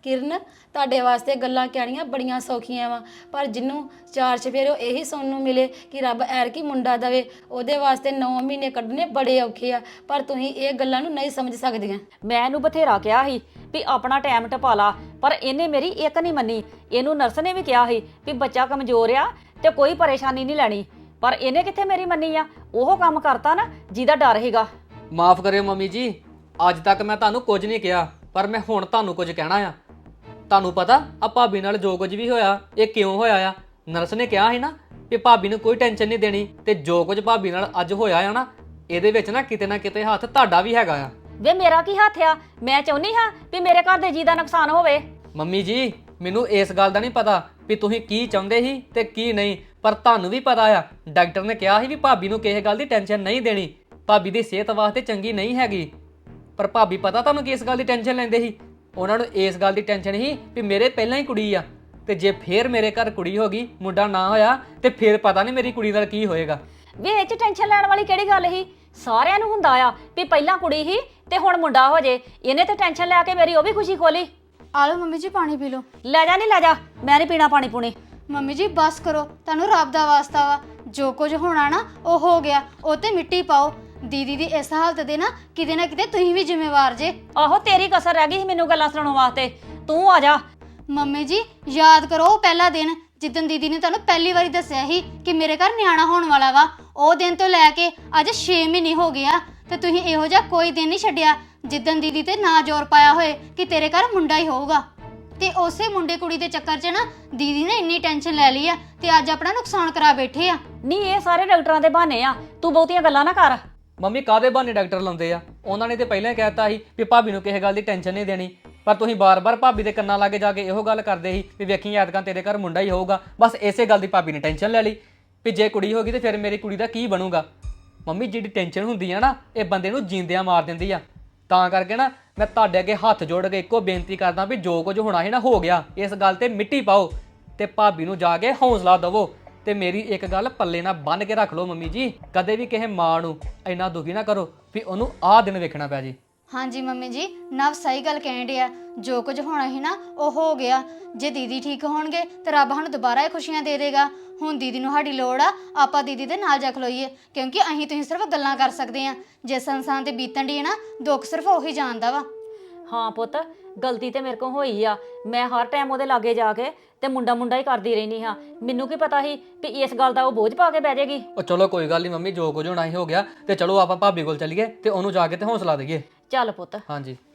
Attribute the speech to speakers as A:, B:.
A: ਕਿਰਨ ਤੁਹਾਡੇ ਵਾਸਤੇ ਗੱਲਾਂ ਕਹਿਣੀਆਂ ਬੜੀਆਂ ਸੌਖੀਆਂ ਵਾ, ਪਰ ਜਿਹਨੂੰ ਚਾਰ ਚਫੇਰੇ ਇਹੀ ਸੁਣਨ ਨੂੰ ਮਿਲੇ ਕਿ ਰੱਬ ਐਰਕੀ ਮੁੰਡਾ ਦਵੇ, ਉਹਦੇ ਵਾਸਤੇ 9 ਮਹੀਨੇ ਕੱਢਣੇ ਬੜੇ ਔਖੇ ਆ। ਪਰ ਤੁਸੀਂ ਇਹ ਗੱਲਾਂ ਨੂੰ ਨਹੀਂ ਸਮਝ ਸਕਦੀਆਂ।
B: ਮੈਂ ਇਹਨੂੰ ਬਥੇਰਾ ਕਿਹਾ ਸੀ ਵੀ ਆਪਣਾ ਟਾਈਮ ਟਪਾ ਲਾ, ਪਰ ਇਹਨੇ ਮੇਰੀ ਇੱਕ ਨਹੀਂ ਮੰਨੀ। ਇਹਨੂੰ ਨਰਸ ਨੇ ਵੀ ਕਿਹਾ ਸੀ ਵੀ ਬੱਚਾ ਕਮਜ਼ੋਰ ਆ ਤੇ ਕੋਈ ਪਰੇਸ਼ਾਨੀ ਨਹੀਂ ਲੈਣੀ, ਪਰ ਇਹਨੇ ਕਿੱਥੇ ਮੇਰੀ ਮੰਨੀ ਆ। ਉਹ ਕੰਮ ਕਰਤਾ ਨਾ ਜਿਹਦਾ ਡਰ ਹੈਗਾ।
C: ਮਾਫ ਕਰਿਓ ਮੰਮੀ ਜੀ, ਅੱਜ ਤੱਕ ਮੈਂ ਤੁਹਾਨੂੰ ਕੁਝ ਨਹੀਂ ਕਿਹਾ, ਪਰ ਮੈਂ ਹੁਣ ਤੁਹਾਨੂੰ ਕੁਝ ਕਹਿਣਾ ਆ। ਤੁਹਾਨੂੰ ਪਤਾ ਆ ਭਾਬੀ ਨਾਲ ਜੋ ਕੁਝ ਵੀ ਹੋਇਆ ਇਹ ਕਿਉਂ ਹੋਇਆ ਆ? ਨਰਸ ਨੇ ਕਿਹਾ ਸੀ ਨਾ ਕਿ ਭਾਬੀ ਨੂੰ ਕੋਈ ਟੈਨਸ਼ਨ ਨਹੀਂ ਦੇਣੀ, ਤੇ ਜੋ ਕੁਝ ਭਾਬੀ ਨਾਲ ਅੱਜ ਹੋਇਆ ਆ ਨਾ, ਇਹਦੇ ਵਿੱਚ ਨਾ ਕਿਤੇ ਹੱਥ ਤੁਹਾਡਾ ਵੀ ਹੈਗਾ ਆ।
B: ਵੇ ਮੇਰਾ ਕੀ ਹੱਥ ਆ? ਮੈਂ ਚਾਹੁੰਦੀ ਹਾਂ ਵੀ ਮੇਰੇ ਘਰ ਦੇ ਜੀ ਦਾ ਨੁਕਸਾਨ ਹੋਵੇ।
C: ਮੰਮੀ ਜੀ ਮੈਨੂੰ ਇਸ ਗੱਲ ਦਾ ਨਹੀਂ ਪਤਾ ਵੀ ਤੁਸੀਂ ਕੀ ਚਾਹੁੰਦੇ ਸੀ ਤੇ ਕੀ ਨਹੀਂ, ਪਰ ਤੁਹਾਨੂੰ ਵੀ ਪਤਾ ਆ ਡਾਕਟਰ ਨੇ ਕਿਹਾ ਸੀ ਵੀ ਭਾਬੀ ਨੂੰ ਕਿਸੇ ਗੱਲ ਦੀ ਟੈਨਸ਼ਨ ਨਹੀਂ ਦੇਣੀ, ਭਾਬੀ ਦੀ ਸਿਹਤ ਵਾਸਤੇ ਚੰਗੀ ਨਹੀਂ ਹੈਗੀ। ਪਰ ਭਾਬੀ ਪਤਾ ਤੁਹਾਨੂੰ ਕਿਸ ਗੱਲ ਦੀ ਟੈਨਸ਼ਨ ਲੈਂਦੇ ਸੀ? ਉਹਨਾਂ ਨੂੰ ਇਸ ਗੱਲ ਦੀ ਟੈਨਸ਼ਨ ਸੀ ਵੀ ਮੇਰੇ ਪਹਿਲਾਂ ਹੀ ਕੁੜੀ ਆ, ਤੇ ਜੇ ਫੇਰ ਮੇਰੇ ਘਰ ਕੁੜੀ ਹੋ ਗਈ, ਮੁੰਡਾ ਨਾ ਹੋਇਆ, ਤੇ ਫੇਰ ਪਤਾ ਨਹੀਂ ਮੇਰੀ ਕੁੜੀ ਨਾਲ ਕੀ ਹੋਏਗਾ।
B: ਵੇ ਇਹ 'ਚ ਟੈਨਸ਼ਨ ਲੈਣ ਵਾਲੀ ਕਿਹੜੀ ਗੱਲ ਸੀ? ਸਾਰਿਆਂ ਨੂੰ ਹੁੰਦਾ ਆ ਵੀ ਪਹਿਲਾਂ ਕੁੜੀ ਸੀ ਤੇ ਹੁਣ ਮੁੰਡਾ ਹੋ ਜੇ। ਇਹਨੇ ਤੇ ਟੈਨਸ਼ਨ ਲੈ ਕੇ ਮੇਰੀ ਉਹ ਵੀ ਖੁਸ਼ੀ ਖੋਲੀ।
A: ਆ ਲਓ ਮੰਮੀ ਜੀ ਪਾਣੀ ਪੀ ਲਓ।
B: ਲੈ ਜਾ ਨਹੀਂ ਲੈ ਜਾ, ਮੈਂ ਨਹੀਂ ਪੀਣਾ ਪਾਣੀ ਪੂਣੀ।
A: ਮੰਮੀ ਜੀ ਬਸ ਕਰੋ, ਤੁਹਾਨੂੰ ਰੱਬ ਦਾ ਵਾਸਤਾ ਵਾ, ਜੋ ਕੁਝ ਹੋਣਾ ਨਾ ਉਹ ਹੋ ਗਿਆ, ਉਹ ਤੇ ਮਿੱਟੀ ਪਾਓ। ਦੀਦੀ ਦੀ ਇਸ ਹਾਲਤ ਦੇ ਨਾ ਕਿਤੇ ਤੁਸੀਂ ਵੀ ਜ਼ਿੰਮੇਵਾਰ ਜੇ।
B: ਆਹੋ ਤੇਰੀ ਕਸਰ ਰਹਿ ਗਈ ਸੀ ਮੈਨੂੰ ਗੱਲਾਂ ਸੁਣਾਉਣ ਵਾਸਤੇ, ਤੂੰ ਆ ਜਾ।
A: ਮੰਮੀ ਜੀ ਯਾਦ ਕਰੋ ਉਹ ਪਹਿਲਾ ਦਿਨ ਜਿੱਦਣ ਦੀਦੀ ਨੇ ਤੁਹਾਨੂੰ ਪਹਿਲੀ ਵਾਰੀ ਦੱਸਿਆ ਸੀ ਕਿ ਮੇਰੇ ਘਰ ਨਿਆਣਾ ਹੋਣ ਵਾਲਾ ਵਾ। ਉਹ ਦਿਨ ਤੋਂ ਲੈ ਕੇ ਅੱਜ 6 ਮਹੀਨੇ ਹੋ ਗਏ ਆ, ਤੇ ਤੁਸੀਂ ਇਹੋ ਜਿਹਾ ਕੋਈ ਦਿਨ ਨਹੀਂ ਛੱਡਿਆ ਜਿੱਦਣ ਦੀਦੀ ਤੇ ਨਾ ਜ਼ੋਰ ਪਾਇਆ ਹੋਏ ਕਿ ਤੇਰੇ ਘਰ ਮੁੰਡਾ ਹੀ ਹੋਊਗਾ। ਤੇ ਉਸੇ ਮੁੰਡੇ ਕੁੜੀ ਦੇ ਚੱਕਰ 'ਚ ਨਾ ਦੀਦੀ ਨੇ ਇੰਨੀ ਟੈਨਸ਼ਨ ਲੈ ਲਈ ਆ ਤੇ ਅੱਜ ਆਪਣਾ ਨੁਕਸਾਨ ਕਰਾ ਬੈਠੇ ਆ।
B: ਨਹੀਂ ਇਹ ਸਾਰੇ ਡਾਕਟਰਾਂ ਦੇ ਬਹਾਨੇ ਆ, ਤੂੰ ਬਹੁਤੀਆਂ ਗੱਲਾਂ ਨਾ ਕਰ।
C: ਮੰਮੀ ਕਾਹਦੇ ਬਹਾਨੇ ਡਾਕਟਰ ਲਾਉਂਦੇ ਆ? ਉਹਨਾਂ ਨੇ ਤੇ ਪਹਿਲਾਂ ਹੀ ਕਹਿਤਾ ਸੀ ਵੀ ਭਾਬੀ ਨੂੰ ਕਿਸੇ ਗੱਲ ਦੀ ਟੈਨਸ਼ਨ ਨਹੀਂ ਦੇਣੀ, ਪਰ ਤੁਸੀਂ ਬਾਰ-ਬਾਰ ਭਾਬੀ ਦੇ ਕੰਨਾਂ ਲਾਗੇ ਜਾ ਕੇ ਇਹੋ ਗੱਲ ਕਰਦੇ ਸੀ ਵੀ ਵੇਖੀ ਐਤਕਾਂ ਤੇਰੇ ਘਰ ਮੁੰਡਾ ਹੀ ਹੋਊਗਾ। ਬਸ ਇਸੇ ਗੱਲ ਦੀ ਭਾਬੀ ਨੇ ਟੈਨਸ਼ਨ ਲੈ ਲਈ ਵੀ ਜੇ ਕੁੜੀ ਹੋ ਗਈ ਤੇ ਫਿਰ ਮੇਰੀ ਕੁੜੀ ਦਾ ਕੀ ਬਣੂਗਾ। ਮੰਮੀ ਜਿਹੜੀ ਟੈਨਸ਼ਨ ਹੁੰਦੀ ਆ ਨਾ, ਇਹ ਬੰਦੇ ਨੂੰ ਜਿੰਦਿਆਂ ਮਾਰ ਦਿੰਦੀ ਆ। ਤਾਂ ਕਰਕੇ ਨਾ ਮੈਂ ਤੁਹਾਡੇ ਅੱਗੇ ਹੱਥ ਜੋੜ ਕੇ ਇੱਕੋ ਬੇਨਤੀ ਕਰਦਾ ਵੀ ਜੋ ਕੁਝ ਹੋਣਾ ਸੀ ਨਾ ਹੋ ਗਿਆ, ਇਸ ਗੱਲ ਤੇ ਮਿੱਟੀ ਪਾਓ ਤੇ ਭਾਬੀ ਨੂੰ ਜਾ ਕੇ ਹੌਸਲਾ ਦੇਵੋ। ਤੇ ਮੇਰੀ ਇੱਕ ਗੱਲ ਪੱਲੇ ਨਾਲ ਬੰਨ੍ਹ ਕੇ ਰੱਖ ਲਓ ਮੰਮੀ ਜੀ, ਕਦੇ ਵੀ ਕਿਸੇ ਮਾਂ ਨੂੰ ਇੰਨਾ ਦੁਖੀ ਨਾ ਕਰੋ ਵੀ ਉਹਨੂੰ ਆਹ ਦਿਨ ਵੇਖਣਾ ਪਿਆ ਜੀ।
A: ਹਾਂਜੀ ਮੰਮੀ ਜੀ, ਨਵ ਸਹੀ ਗੱਲ ਕਹਿਣ ਡਿਆ, ਜੋ ਕੁਝ ਹੋਣਾ ਸੀ ਨਾ ਉਹ ਹੋ ਗਿਆ। ਜੇ ਦੀਦੀ ਠੀਕ ਹੋਣਗੇ ਤੇ ਰੱਬ ਸਾਨੂੰ ਦੁਬਾਰਾ ਇਹ ਖੁਸ਼ੀਆਂ ਦੇ ਦੇਗਾ। ਹੁਣ ਦੀਦੀ ਨੂੰ ਸਾਡੀ ਲੋੜ ਆ, ਆਪਾਂ ਦੀਦੀ ਦੇ ਨਾਲ ਜਾ ਖਲੋਈਏ, ਕਿਉਂਕਿ ਅਸੀਂ ਤੁਸੀਂ ਸਿਰਫ ਗੱਲਾਂ ਕਰ ਸਕਦੇ ਆ। ਜਿਸ ਇਨਸਾਨ ਤੇ ਬੀਤਣ ਦੀ ਹੈ ਨਾ, ਦੁੱਖ ਸਿਰਫ ਉਹੀ ਜਾਣਦਾ ਵਾ।
B: ਹਾਂ ਪੁੱਤ, ਗਲਤੀ ਤੇ ਮੇਰੇ ਕੋਲ ਹੋਈ ਆ। ਮੈਂ ਹਰ ਟਾਈਮ ਉਹਦੇ ਲਾਗੇ ਜਾ ਕੇ ਤੇ ਮੁੰਡਾ ਹੀ ਕਰਦੀ ਰਹਿੰਦੀ ਹਾਂ। ਮੈਨੂੰ ਕੀ ਪਤਾ ਸੀ ਵੀ ਇਸ ਗੱਲ ਦਾ ਉਹ ਬੋਝ ਪਾ ਕੇ ਬਹਿ ਜਾਏਗੀ।
C: ਉਹ ਚਲੋ ਕੋਈ ਗੱਲ ਨਹੀਂ ਮੰਮੀ, ਜੋ ਕੁਝ ਹੋਣਾ ਹੀ ਹੋ ਗਿਆ, ਤੇ ਚਲੋ ਆਪਾਂ ਭਾਬੀ ਕੋਲ ਚੱਲੀਏ ਤੇ ਉਹਨੂੰ ਜਾ ਕੇ ਤੇ ਹੌਸਲਾ ਦੇਈਏ।
B: ਚੱਲ ਪੁੱਤ।
C: ਹਾਂਜੀ।